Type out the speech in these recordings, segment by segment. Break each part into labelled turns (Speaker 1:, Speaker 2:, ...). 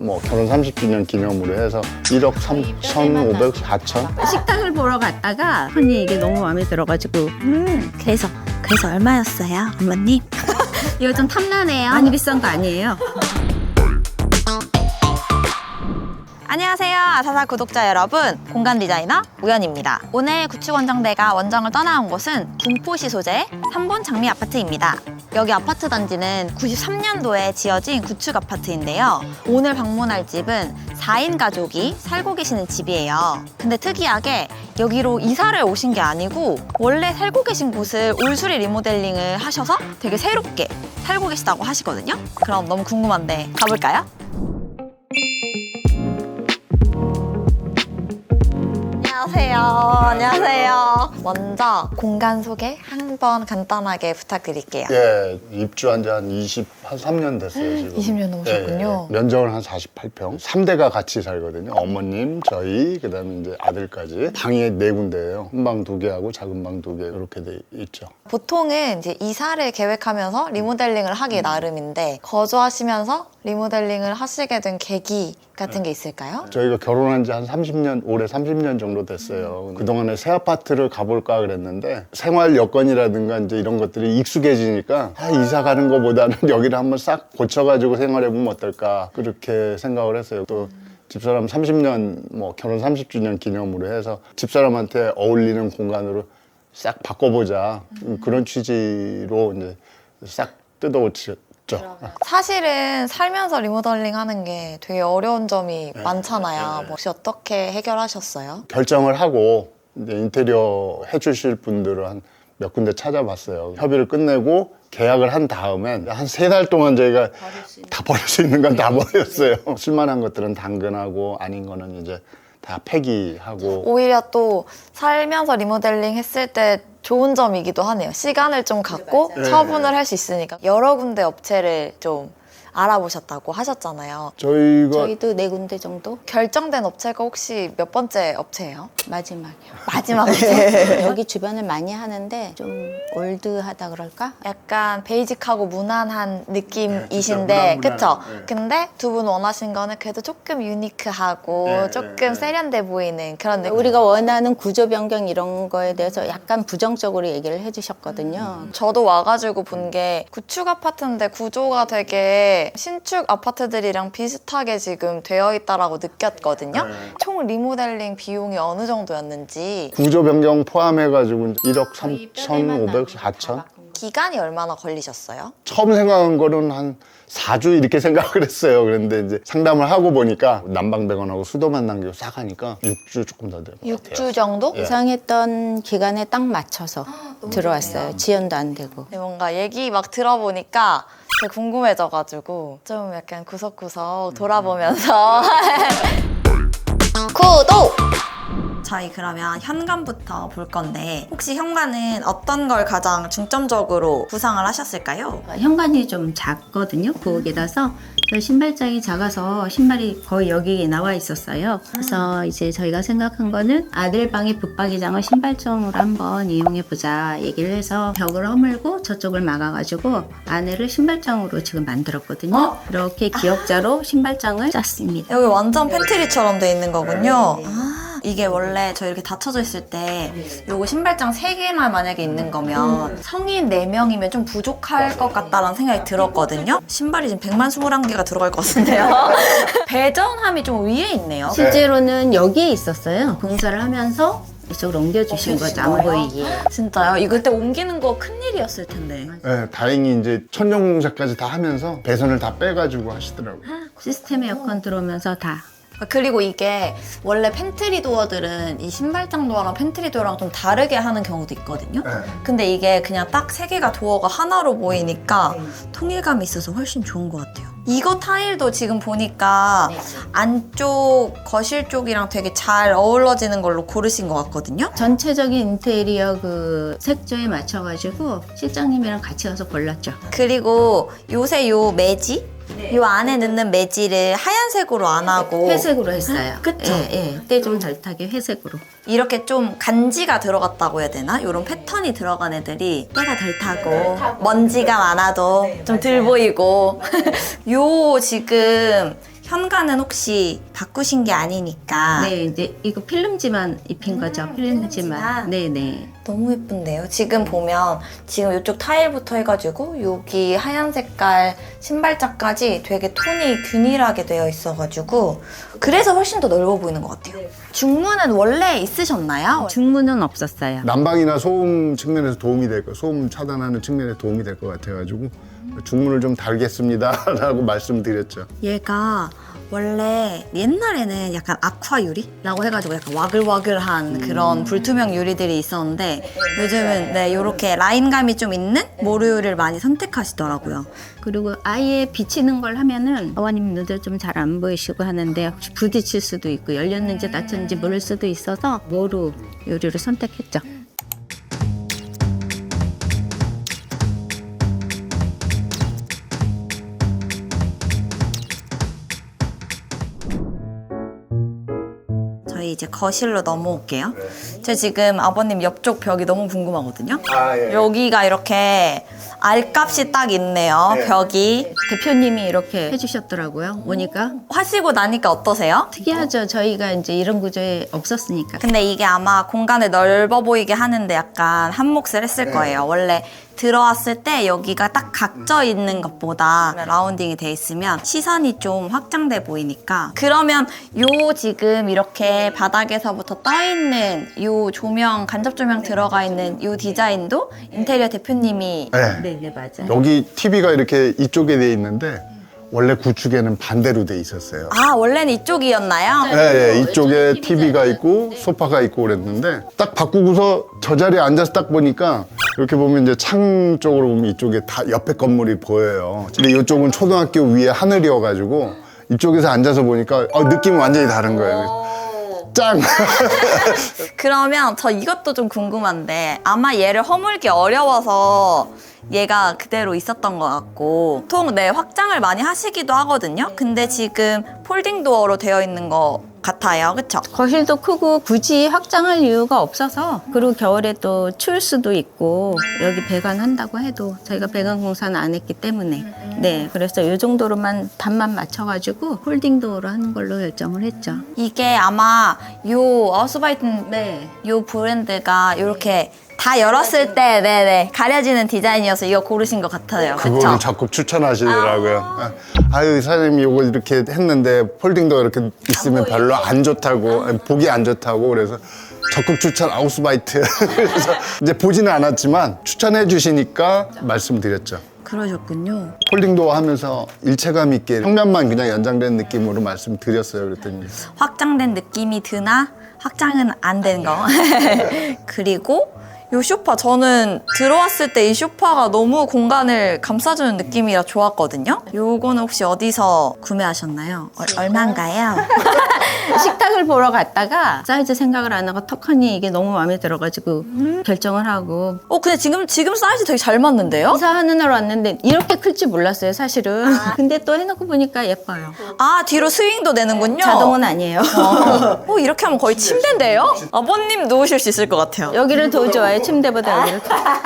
Speaker 1: 뭐 결혼 30주년 기념으로 해서 1억 3,500, 4천?
Speaker 2: 식당을 보러 갔다가 언니 이게 너무 마음에 들어가지고 그래서 얼마였어요, 어머님? 이거 좀 탐나네요. 많이 비싼 거 아니에요?
Speaker 3: 안녕하세요, 아사사 구독자 여러분, 공간 디자이너 우연입니다. 오늘 구축원정대가 원정을 떠나온 곳은 군포시 소재 3본 장미 아파트입니다. 여기 아파트 단지는 93년도에 지어진 구축 아파트인데요. 오늘 방문할 집은 4인 가족이 살고 계시는 집이에요. 근데 특이하게 여기로 이사를 오신 게 아니고 원래 살고 계신 곳을 올수리 리모델링을 하셔서 되게 새롭게 살고 계시다고 하시거든요. 그럼 너무 궁금한데 가볼까요? 안녕하세요. 먼저 공간 소개 한번 간단하게 부탁드릴게요.
Speaker 1: 예, 입주한 지 한 23년 됐어요, 지금.
Speaker 3: 20년 넘으셨군요.
Speaker 1: 예, 면적은 한 48평. 3대가 같이 살거든요. 어머님, 저희, 그 다음에 이제 아들까지. 방이 4군데예요. 큰 방 2개하고 작은 방 2개 이렇게 돼 있죠.
Speaker 3: 보통은 이제 이사를 계획하면서 리모델링을 하기 나름인데 거주하시면서 리모델링을 하시게 된 계기 같은 게 있을까요?
Speaker 1: 저희가 결혼한 지 한 30년, 올해 30년 정도 됐어요. 그동안에 새 아파트를 가볼까 그랬는데 생활 여건이라든가 이제 이런 것들이 익숙해지니까 이사 가는 것보다는 여기를 한번 싹 고쳐가지고 생활해보면 어떨까 그렇게 생각을 했어요. 또 집사람 30년, 뭐 결혼 30주년 기념으로 해서 집사람한테 어울리는 공간으로 싹 바꿔보자. 그런 취지로 이제 싹 뜯어고쳤죠.
Speaker 3: 사실은 살면서 리모델링 하는 게 되게 어려운 점이 많잖아요. 혹시 어떻게 해결하셨어요?
Speaker 1: 결정을 하고 이제 인테리어 해주실 분들을 한 몇 군데 찾아봤어요. 협의를 끝내고 계약을 한 다음엔 한 3달 동안 저희가 다 버릴 수 있는 건 다 버렸어요. 쓸만한 것들은 당근하고 아닌 거는 이제 다 폐기하고.
Speaker 3: 오히려 또 살면서 리모델링 했을 때 좋은 점이기도 하네요. 시간을 좀 갖고 처분을 할 수 있으니까. 여러 군데 업체를 좀 알아보셨다고 하셨잖아요.
Speaker 2: 저희도 4군데 정도?
Speaker 3: 결정된 업체가 혹시 몇 번째 업체예요?
Speaker 2: 마지막이요.
Speaker 3: 마지막 업체?
Speaker 2: 여기 주변을 많이 하는데 좀 올드하다 그럴까?
Speaker 3: 약간 베이직하고 무난한 느낌이신데,
Speaker 1: 무난.
Speaker 3: 그쵸?
Speaker 1: 네.
Speaker 3: 근데 두 분 원하신 거는 그래도 조금 유니크하고 조금 세련돼 보이는 그런 느낌.
Speaker 2: 우리가 원하는 구조 변경 이런 거에 대해서 약간 부정적으로 얘기를 해주셨거든요.
Speaker 3: 저도 와가지고 본 게 구축 아파트인데 구조가 되게 신축 아파트들이랑 비슷하게 지금 되어 있다라고 느꼈거든요. 총 리모델링 비용이 어느 정도였는지.
Speaker 1: 구조 변경 포함해가지고 1억 3,500, 4천?
Speaker 3: 기간이 얼마나 걸리셨어요?
Speaker 1: 처음 생각한 거는 한 4주 이렇게 생각을 했어요. 그런데 이제 상담을 하고 보니까 난방배관하고 수도만 남기고 싹 하니까 6주 조금 더 될 것 같아요.
Speaker 3: 6주 정도?
Speaker 2: 예상했던 기간에 딱 맞춰서 들어왔어요. 지연도 안 되고.
Speaker 3: 네, 뭔가 얘기 막 들어보니까 되게 궁금해져가지고 좀 약간 구석구석 돌아보면서 구독! 저희 그러면 현관부터 볼 건데 혹시 현관은 어떤 걸 가장 중점적으로 구상을 하셨을까요?
Speaker 2: 현관이 좀 작거든요. 부엌이라서 신발장이 작아서 신발이 거의 여기에 나와 있었어요. 그래서 이제 저희가 생각한 거는 아들 방의 붙박이장을 신발장으로 한번 이용해보자 얘기를 해서 벽을 허물고 저쪽을 막아가지고 안에를 신발장으로 지금 만들었거든요. 이렇게 기역자로 신발장을 짰습니다.
Speaker 3: 여기 완전 팬트리처럼 돼 있는 거군요. 이게 원래 저 이렇게 닫혀져 있을 때 요거 신발장 3개만 만약에 있는 거면 성인 4명이면 좀 부족할 것 같다라는 생각이 들었거든요. 신발이 지금 121개가 들어갈 것 같은데요. 배전함이 좀 위에 있네요.
Speaker 2: 실제로는 여기에 있었어요. 공사를 하면서 이쪽으로 옮겨주신 거죠. 안 보이게.
Speaker 3: 진짜요? 이거 그때 옮기는 거 큰일이었을 텐데.
Speaker 1: 네, 다행히 이제 천정공사까지 다 하면서 배선을 다 빼가지고 하시더라고요.
Speaker 2: 시스템 에어컨 들어오면서 다.
Speaker 3: 그리고 이게 원래 팬트리 도어들은 이 신발장 도어랑 팬트리 도어랑 좀 다르게 하는 경우도 있거든요. 근데 이게 그냥 딱 3개가 도어가 하나로 보이니까 통일감이 있어서 훨씬 좋은 것 같아요. 이거 타일도 지금 보니까 안쪽 거실 쪽이랑 되게 잘 어우러지는 걸로 고르신 것 같거든요.
Speaker 2: 전체적인 인테리어 그 색조에 맞춰가지고 실장님이랑 같이 가서 골랐죠.
Speaker 3: 그리고 요새 요 매지? 요 안에 넣는 매지를 하얀색으로 안 하고
Speaker 2: 회색으로 했어요.
Speaker 3: 그쵸?
Speaker 2: 예, 예. 때 좀 덜 타게 회색으로.
Speaker 3: 이렇게 좀 간지가 들어갔다고 해야 되나? 이런 패턴이 들어간 애들이 때가 덜 타고 먼지가 많아도 좀 덜 보이고 요 지금 현관은 혹시 바꾸신 게 아니니까.
Speaker 2: 네, 이제 이거 필름지만 입힌 거죠. 필름지만. 네네.
Speaker 3: 너무 예쁜데요? 지금 보면 지금 이쪽 타일부터 해가지고 여기 하얀 색깔 신발장까지 되게 톤이 균일하게 되어 있어가지고 그래서 훨씬 더 넓어 보이는 것 같아요. 중문은 원래 있으셨나요?
Speaker 2: 중문은 없었어요.
Speaker 1: 난방이나 소음 측면에서 도움이 될 거, 소음 차단하는 측면에 도움이 될 것 같아가지고 중문을 좀 달겠습니다라고 말씀드렸죠.
Speaker 3: 얘가 원래 옛날에는 약간 아쿠아 유리라고 해가지고 약간 와글와글한 그런 불투명 유리들이 있었는데 요즘은 네, 이렇게 라인감이 좀 있는 모루 유리를 많이 선택하시더라고요.
Speaker 2: 그리고 아예 비치는 걸 하면은 어머님 눈도 좀 잘 안 보이시고 하는데 혹시 부딪힐 수도 있고 열렸는지 닫혔는지 모를 수도 있어서 모루 유리를 선택했죠.
Speaker 3: 저희 이제 거실로 넘어올게요. 저 지금 아버님 옆쪽 벽이 너무 궁금하거든요.
Speaker 1: 예.
Speaker 3: 여기가 이렇게 알값이 딱 있네요,
Speaker 1: 네.
Speaker 3: 벽이.
Speaker 2: 대표님이 이렇게 해주셨더라고요. 오니까
Speaker 3: 하시고 나니까 어떠세요?
Speaker 2: 특이하죠. 저희가 이제 이런 구조에 없었으니까.
Speaker 3: 근데 이게 아마 공간을 넓어 보이게 하는데 약간 한 몫을 했을 거예요. 원래 들어왔을 때 여기가 딱 각져 있는 것보다 라운딩이 돼 있으면 시선이 좀 확장돼 보이니까. 그러면 요 지금 이렇게 바닥에서부터 떠 있는 요 조명, 간접 조명 들어가 있는 요 디자인도 인테리어 대표님이
Speaker 1: 네.
Speaker 2: 네, 맞아요.
Speaker 1: 여기 TV가 이렇게 이쪽에 돼 있는데 원래 구축에는 반대로 돼 있었어요.
Speaker 3: 아, 원래는 이쪽이었나요?
Speaker 1: 네, 이쪽에 TV가 있고 소파가 있고 그랬는데 딱 바꾸고서 저 자리에 앉아서 딱 보니까 이렇게 보면 이제 창 쪽으로 보면 이쪽에 다 옆에 건물이 보여요. 근데 이쪽은 초등학교 위에 하늘이어가지고 이쪽에서 앉아서 보니까 느낌이 완전히 다른 거예요. 짱!
Speaker 3: 그러면 저 이것도 좀 궁금한데 아마 얘를 허물기 어려워서 얘가 그대로 있었던 것 같고 보통 네, 확장을 많이 하시기도 하거든요. 근데 지금 폴딩 도어로 되어 있는 것 같아요. 그쵸?
Speaker 2: 거실도 크고 굳이 확장할 이유가 없어서 그리고 겨울에 또 추울 수도 있고 여기 배관한다고 해도 저희가 배관 공사는 안 했기 때문에 네 그래서 이 정도로만 답만 맞춰가지고 홀딩 도어로 하는 걸로 결정을 했죠.
Speaker 3: 이게 아마 요 아우스바이튼
Speaker 2: 네.
Speaker 3: 요 브랜드가 이렇게 다 열었을 때 네네 가려지는 디자인이어서 이거 고르신 것 같아요.
Speaker 1: 그거를
Speaker 3: 그쵸?
Speaker 1: 자꾸 추천하시더라고요. 아유, 사장님이 이거 이렇게 했는데 폴딩도 이렇게 있으면 별로 안 좋다고, 아니, 보기 안 좋다고 그래서 적극 추천 아우스바이트. 그래서 이제 보지는 않았지만 추천해 주시니까 말씀드렸죠.
Speaker 3: 그러셨군요.
Speaker 1: 폴딩도 하면서 일체감 있게 평면만 그냥 연장된 느낌으로 말씀드렸어요. 그랬더니
Speaker 3: 확장된 느낌이 드나 확장은 안 된 거. 그리고 이 소파 저는 들어왔을 때 이 소파가 너무 공간을 감싸주는 느낌이라 좋았거든요. 요거는 혹시 어디서 구매하셨나요? 얼마인가요?
Speaker 2: 식탁을 보러 갔다가 사이즈 생각을 안 하고 턱하니 이게 너무 마음에 들어가지고 결정을 하고
Speaker 3: 근데 지금 사이즈 되게 잘 맞는데요?
Speaker 2: 이사하는 날 왔는데 이렇게 클 줄 몰랐어요 사실은. 근데 또 해놓고 보니까 예뻐요.
Speaker 3: 아, 뒤로 스윙도 되는군요.
Speaker 2: 자동은 아니에요.
Speaker 3: 이렇게 하면 거의 침대인데요? 아버님 누우실 수 있을 것 같아요.
Speaker 2: 여기를 더 좋아해요. 침대보다 여기를.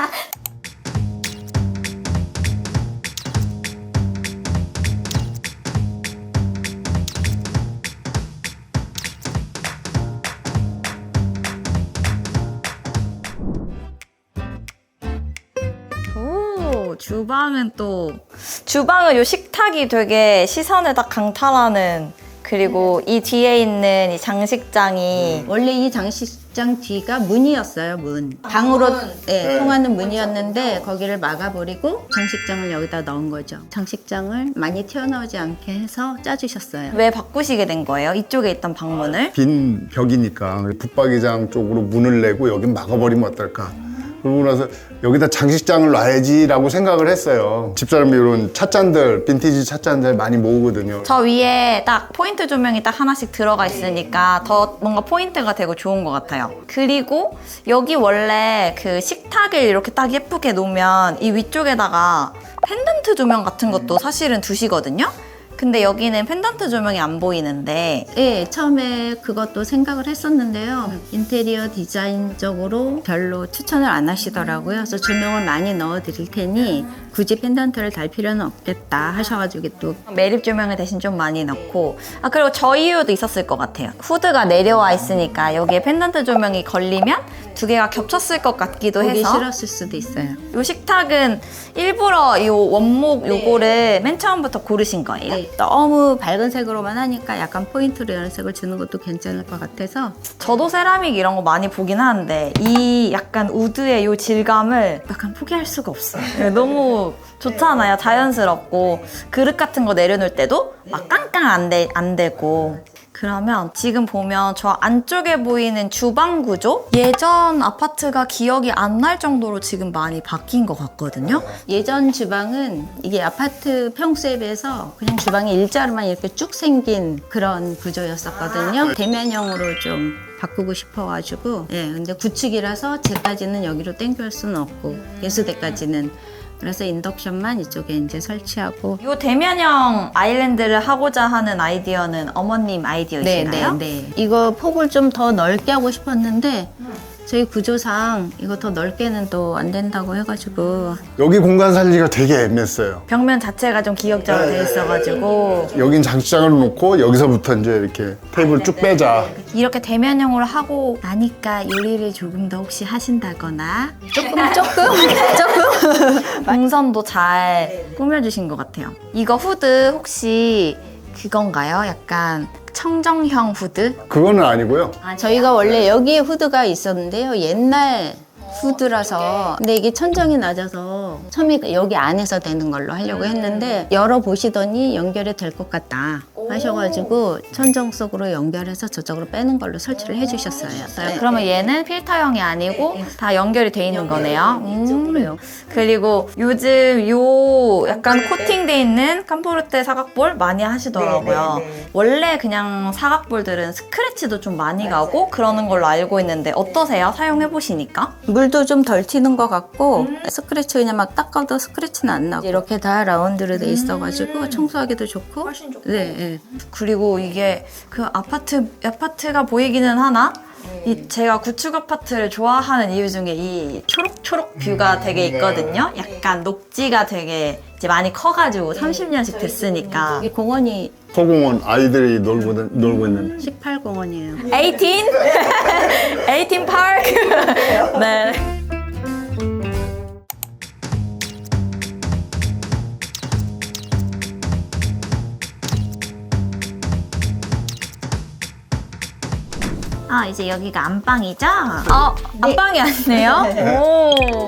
Speaker 3: 주방은 요 식탁이 되게 시선을 딱 강탈하는 그리고 이 뒤에 있는 이 장식장이
Speaker 2: 원래 이 장식장 뒤가 문이었어요. 문. 방으로 통하는 문이었는데 거기를 막아버리고 장식장을 여기다 넣은 거죠. 장식장을 많이 튀어나오지 않게 해서 짜주셨어요.
Speaker 3: 왜 바꾸시게 된 거예요? 이쪽에 있던 방문을?
Speaker 1: 빈 벽이니까 붙박이장 쪽으로 문을 내고 여긴 막아버리면 어떨까. 그러고 나서 여기다 장식장을 놔야지라고 생각을 했어요. 집사람이 이런 찻잔들, 빈티지 찻잔들 많이 모으거든요.
Speaker 3: 저 위에 딱 포인트 조명이 딱 하나씩 들어가 있으니까 더 뭔가 포인트가 되고 좋은 것 같아요. 그리고 여기 원래 그 식탁을 이렇게 딱 예쁘게 놓으면 이 위쪽에다가 펜던트 조명 같은 것도 사실은 두시거든요. 근데 여기는 펜던트 조명이 안 보이는데
Speaker 2: 네, 처음에 그것도 생각을 했었는데요. 인테리어 디자인적으로 별로 추천을 안 하시더라고요. 그래서 조명을 많이 넣어 드릴 테니 굳이 펜던트를 달 필요는 없겠다 하셔가지고 또
Speaker 3: 매립 조명을 대신 좀 많이 넣고 그리고 저 이유도 있었을 것 같아요. 후드가 내려와 있으니까 여기에 펜던트 조명이 걸리면 두 개가 겹쳤을 것 같기도
Speaker 2: 보기
Speaker 3: 해서
Speaker 2: 싫었을 수도 있어요.
Speaker 3: 요 식탁은 일부러 이 원목 요거를 맨 처음부터 고르신 거예요?
Speaker 2: 네, 너무 밝은 색으로만 하니까 약간 포인트로 이런 색을 주는 것도 괜찮을 것 같아서
Speaker 3: 저도 세라믹 이런 거 많이 보긴 하는데 이 약간 우드의 요 질감을 약간 포기할 수가 없어요. 너무 좋잖아요. 자연스럽고 그릇 같은 거 내려놓을 때도 막 깡깡 안 되고 그러면 지금 보면 저 안쪽에 보이는 주방 구조? 예전 아파트가 기억이 안 날 정도로 지금 많이 바뀐 것 같거든요.
Speaker 2: 예전 주방은 이게 아파트 평수에 비해서 그냥 주방이 일자로만 이렇게 쭉 생긴 그런 구조였었거든요. 대면형으로 좀 바꾸고 싶어가지고 근데 구축이라서 제까지는 여기로 땡겨올 수는 없고 예수대까지는 그래서 인덕션만 이쪽에 이제 설치하고
Speaker 3: 이 대면형 아일랜드를 하고자 하는 아이디어는 어머님 아이디어이신가요?
Speaker 2: 네. 이거 폭을 좀 더 넓게 하고 싶었는데 저희 구조상 이거 더 넓게는 또 안 된다고 해가지고
Speaker 1: 여기 공간 살리기가 되게 애매했어요.
Speaker 3: 벽면 자체가 좀 기역자로 되어 있어가지고
Speaker 1: 여긴 장식장을 놓고 여기서부터 이제 이렇게 테이블 쭉 빼자.
Speaker 3: 이렇게 대면형으로 하고 나니까 요리를 조금 더 혹시 하신다거나 조금 동선도 잘 꾸며주신 것 같아요. 이거 후드 혹시 그건가요? 약간 청정형 후드?
Speaker 1: 그거는 아니고요.
Speaker 2: 저희가 원래 여기에 후드가 있었는데요. 옛날 후드라서 근데 이게 천정이 낮아서 처음에 여기 안에서 되는 걸로 하려고 했는데 열어보시더니 연결이 될 것 같다 하셔가지고 천정 속으로 연결해서 저쪽으로 빼는 걸로 설치를 해주셨어요.
Speaker 3: 그러면 얘는 필터형이 아니고 다 연결이 돼 있는 거네요. 그리고 요즘 요 약간 코팅돼 있는 캄포르테 사각볼 많이 하시더라고요. 원래 그냥 사각볼들은 스크래치도 좀 많이 가고 그러는 걸로 알고 있는데 어떠세요? 사용해 보시니까?
Speaker 2: 물도 좀 덜 튀는 것 같고 스크래치 그냥 막 닦아도 스크래치는 안 나고 이렇게 다 라운드로 돼 있어가지고 청소하기도 좋고
Speaker 3: 훨씬 좋고.
Speaker 2: 네.
Speaker 3: 그리고 이게 그 아파트가 보이기는 하나 제가 구축 아파트를 좋아하는 이유 중에 이 초록초록 뷰가 되게 있거든요. 약간 녹지가 되게 이제 많이 커가지고 30년씩 됐으니까.
Speaker 2: 이 공원이
Speaker 1: 소공원 아이들이 놀고 있는
Speaker 2: 18공원이에요.
Speaker 3: 18 파크. 네. 이제 여기가 안방이죠? 안방이 아니네요? 오.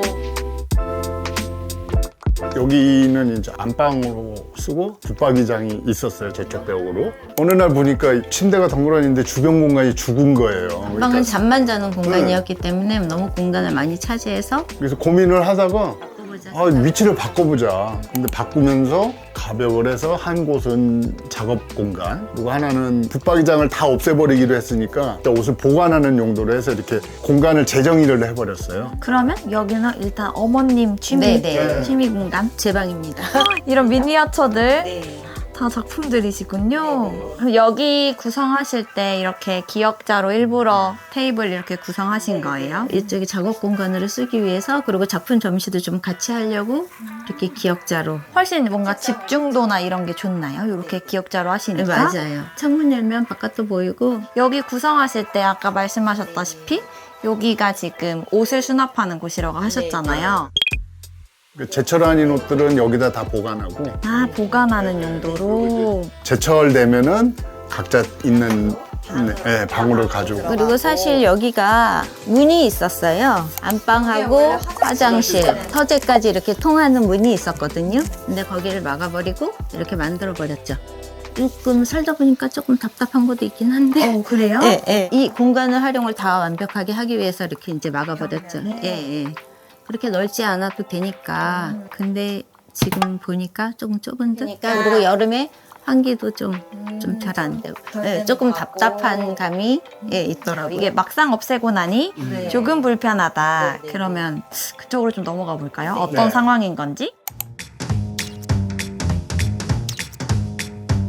Speaker 1: 여기는 이제 안방으로 쓰고 붙박이장이 있었어요. 저쪽 벽으로. 어느 날 보니까 침대가 덩그러니 있는데 주변 공간이 죽은 거예요.
Speaker 2: 방은 잠만 자는 공간이었기 때문에 너무 공간을 많이 차지해서
Speaker 1: 그래서 고민을 하다가 위치를 바꿔보자. 근데 바꾸면서 가벽을 해서 한 곳은 작업 공간, 그리고 하나는 붙박이장을 다 없애버리기로 했으니까 옷을 보관하는 용도로 해서 이렇게 공간을 재정의를 해버렸어요.
Speaker 3: 그러면 여기는 일단 어머님 취미 공간?
Speaker 2: 제 방입니다.
Speaker 3: 이런 미니어처들 다 작품들이시군요. 그럼 여기 구성하실 때 이렇게 기역자로 일부러 테이블 이렇게 구성하신 거예요?
Speaker 2: 이쪽에 작업 공간으로 쓰기 위해서 그리고 작품 전시도 좀 같이 하려고 이렇게 기역자로.
Speaker 3: 훨씬 뭔가 집중도나 이런 게 좋나요? 이렇게 기역자로 하시니까?
Speaker 2: 맞아요. 창문 열면 바깥도 보이고
Speaker 3: 여기 구성하실 때 아까 말씀하셨다시피 여기가 지금 옷을 수납하는 곳이라고 하셨잖아요.
Speaker 1: 제철 아닌 옷들은 여기다 다 보관하고
Speaker 3: 보관하는 용도로.
Speaker 1: 제철되면은 각자 있는 방으로 가지고.
Speaker 2: 그리고 사실 여기가 문이 있었어요. 안방하고 화장실, 서재까지 이렇게 통하는 문이 있었거든요. 근데 거기를 막아버리고 이렇게 만들어버렸죠. 조금 살다 보니까 조금 답답한 것도 있긴 한데.
Speaker 3: 그래요?
Speaker 2: 네. 이 공간을 활용을 다 완벽하게 하기 위해서 이렇게 이제 막아버렸죠. 그렇게 넓지 않아도 되니까. 근데 지금 보니까 조금 좁은 듯. 그리고 여름에 환기도 좀 잘 안 되고. 조금 답답한 감이 있더라고요.
Speaker 3: 이게 막상 없애고 나니 조금 불편하다. 그러면 그쪽으로 좀 넘어가 볼까요? 어떤 상황인 건지?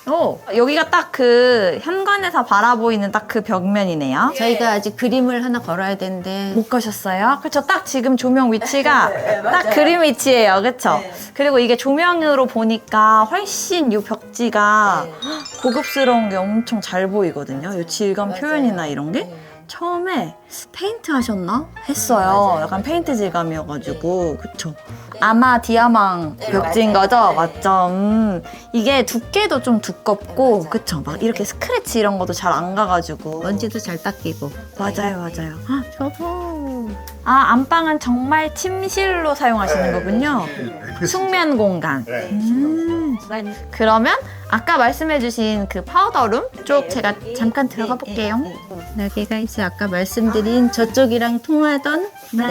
Speaker 3: 여기가 딱 그 현관에서 바라보이는 딱 그 벽면이네요.
Speaker 2: 저희가 아직 그림을 하나 걸어야 되는데
Speaker 3: 못 가셨어요? 그렇죠. 딱 지금 조명 위치가 딱 그림 위치예요. 그렇죠? 그리고 이게 조명으로 보니까 훨씬 이 벽지가 고급스러운 게 엄청 잘 보이거든요. 이 질감 표현이나 이런 게. 처음에 페인트 하셨나? 했어요. 약간 페인트 질감이어가지고 그쵸? 아마 디아망 벽지인 거죠? 맞죠? 이게 두께도 좀 두껍고 그쵸? 막 이렇게 스크래치 이런 것도 잘 안 가가지고
Speaker 2: 먼지도 잘 닦이고.
Speaker 3: 맞아요. 저도 안방은 정말 침실로 사용하시는 거군요. 숙면 공간. 그러면 아까 말씀해주신 그 파우더룸 쪽 제가 잠깐 들어가 볼게요.
Speaker 2: 여기가 이제 아까 말씀드린 저쪽이랑 통하던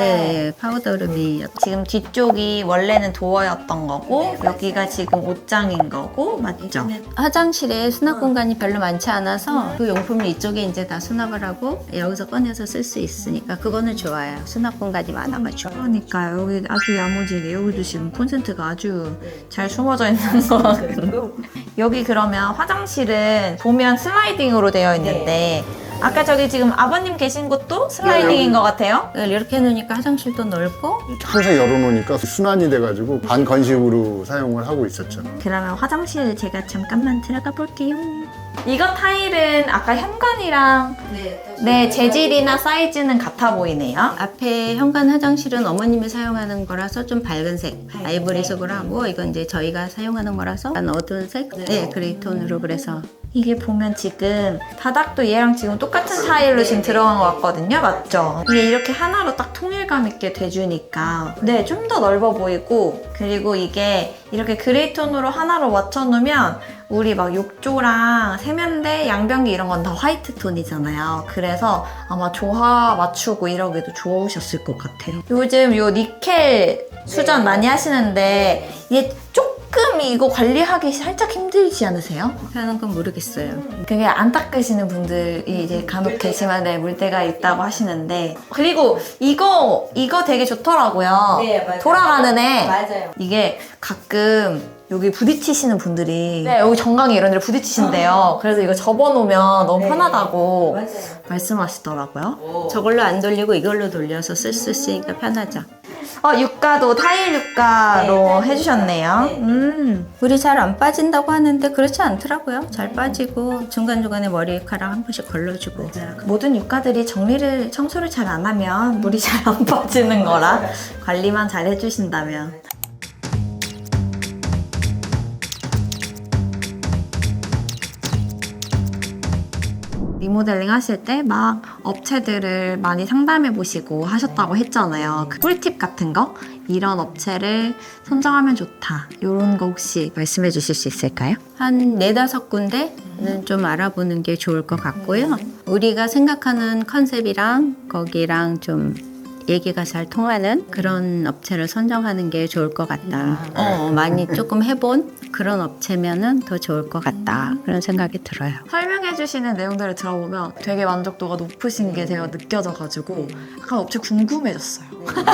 Speaker 2: 파우더룸이었죠.
Speaker 3: 지금 뒤쪽이 원래는 도어였던 거고 여기가 지금 옷장인 거고 맞죠?
Speaker 2: 화장실에 수납 공간이 별로 많지 않아서 그 용품을 이쪽에 이제 다 수납을 하고 여기서 꺼내서 쓸 수 있으니까 그거는 좋아요. 수납 공간이 많아가지고.
Speaker 3: 그러니까요. 여기 아주 야무지게 여기도 지금 콘센트가 아주 잘 숨어져 있는 거 같고 여기 그러면 화장실은 보면 슬라이딩으로 되어 있는데 아까 저기 지금 아버님 계신 곳도 슬라이딩인 것 같아요.
Speaker 2: 이렇게 해놓으니까 화장실도 넓고
Speaker 1: 항상 열어놓으니까 순환이 돼가지고 반건식으로 사용을 하고 있었죠.
Speaker 3: 그러면 화장실 제가 잠깐만 들어가 볼게요. 이거 타일은 아까 현관이랑 재질이나 사이즈는 같아 보이네요.
Speaker 2: 앞에 현관 화장실은 어머님이 사용하는 거라서 좀 밝은 색 아이보리색으로 하고 이건 이제 저희가 사용하는 거라서 약간 어두운 색 그레이 톤으로 그래서
Speaker 3: 이게 보면 지금 바닥도 얘랑 지금 똑같은 타일로 지금 들어간 것 같거든요. 맞죠? 이게 이렇게 하나로 딱 통일감 있게 돼주니까 좀 더 넓어 보이고 그리고 이게 이렇게 그레이 톤으로 하나로 맞춰놓으면 우리 막 욕조랑 세면대, 양변기 이런 건 다 화이트 톤이잖아요. 그래서 아마 조화 맞추고 이러기도 좋으셨을 것 같아요. 요즘 요 니켈 수전 많이 하시는데 얘 조금 이거 관리하기 살짝 힘들지 않으세요?
Speaker 2: 하는 건 모르겠어요.
Speaker 3: 그게 안 닦으시는 분들이 이제 간혹 계시면 물때가 있다고 하시는데 그리고 이거 되게 좋더라고요. 돌아가는 애.
Speaker 2: 맞아요.
Speaker 3: 이게 가끔 여기 부딪히시는 분들이 여기 정강이 이런 데를 부딪히신대요. 그래서 이거 접어놓으면 너무 편하다고 말씀하시더라고요.
Speaker 2: 저걸로 안 돌리고 이걸로 돌려서 쓸 수 있으니까 편하죠.
Speaker 3: 육가도 타일 육가로 해주셨네요.
Speaker 2: 물이 잘 안 빠진다고 하는데 그렇지 않더라고요. 잘 빠지고 중간중간에 머리카락 한 번씩 걸러주고.
Speaker 3: 모든 육가들이 청소를 잘 안 하면 물이 잘 안 빠지는 거라 관리만 잘 해주신다면. 리모델링 하실 때 막 업체들을 많이 상담해 보시고 하셨다고 했잖아요. 그 꿀팁 같은 거? 이런 업체를 선정하면 좋다. 이런 거 혹시 말씀해 주실 수 있을까요?
Speaker 2: 한 4-5군데는 좀 알아보는 게 좋을 것 같고요. 우리가 생각하는 컨셉이랑 거기랑 좀 얘기가 잘 통하는 그런 업체를 선정하는 게 좋을 것 같다. 많이 조금 해본 그런 업체면은 더 좋을 것 같다. 그런 생각이 들어요.
Speaker 3: 설명해 주시는 내용들을 들어보면 되게 만족도가 높으신 게 제가 느껴져가지고 약간 업체 궁금해졌어요.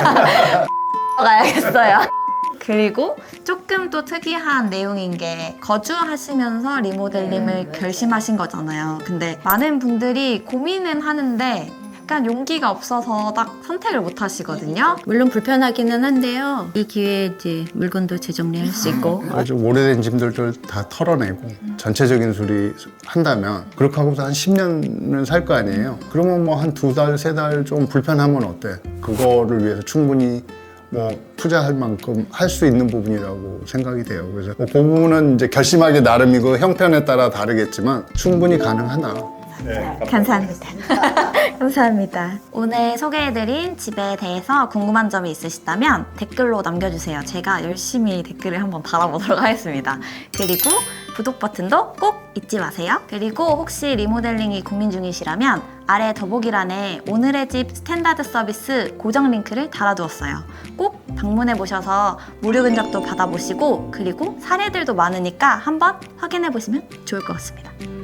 Speaker 3: 가야겠어요. 그리고 조금 또 특이한 내용인 게 거주하시면서 리모델링을 결심하신 거잖아요. 근데 많은 분들이 고민은 하는데 약간 용기가 없어서 딱 선택을 못 하시거든요.
Speaker 2: 물론 불편하기는 한데요. 이 기회에 이제 물건도 재정리할 수 있고
Speaker 1: 아주 오래된 짐들을 다 털어내고 전체적인 수리 한다면 그렇게 하고서 한 10년은 살 거 아니에요. 그러면 뭐 한 2달, 3달 좀 불편하면 어때? 그거를 위해서 충분히 뭐 투자할 만큼 할 수 있는 부분이라고 생각이 돼요. 그래서 그 부분은 이제 결심하기 나름이고 형편에 따라 다르겠지만 충분히 가능하다.
Speaker 3: 감사합니다. 감사합니다. 오늘 소개해드린 집에 대해서 궁금한 점이 있으시다면 댓글로 남겨주세요. 제가 열심히 댓글을 한번 달아보도록 하겠습니다. 그리고 구독 버튼도 꼭 잊지 마세요. 그리고 혹시 리모델링이 고민 중이시라면 아래 더보기란에 오늘의 집 스탠다드 서비스 고정 링크를 달아두었어요. 꼭 방문해보셔서 무료 견적도 받아보시고 그리고 사례들도 많으니까 한번 확인해보시면 좋을 것 같습니다.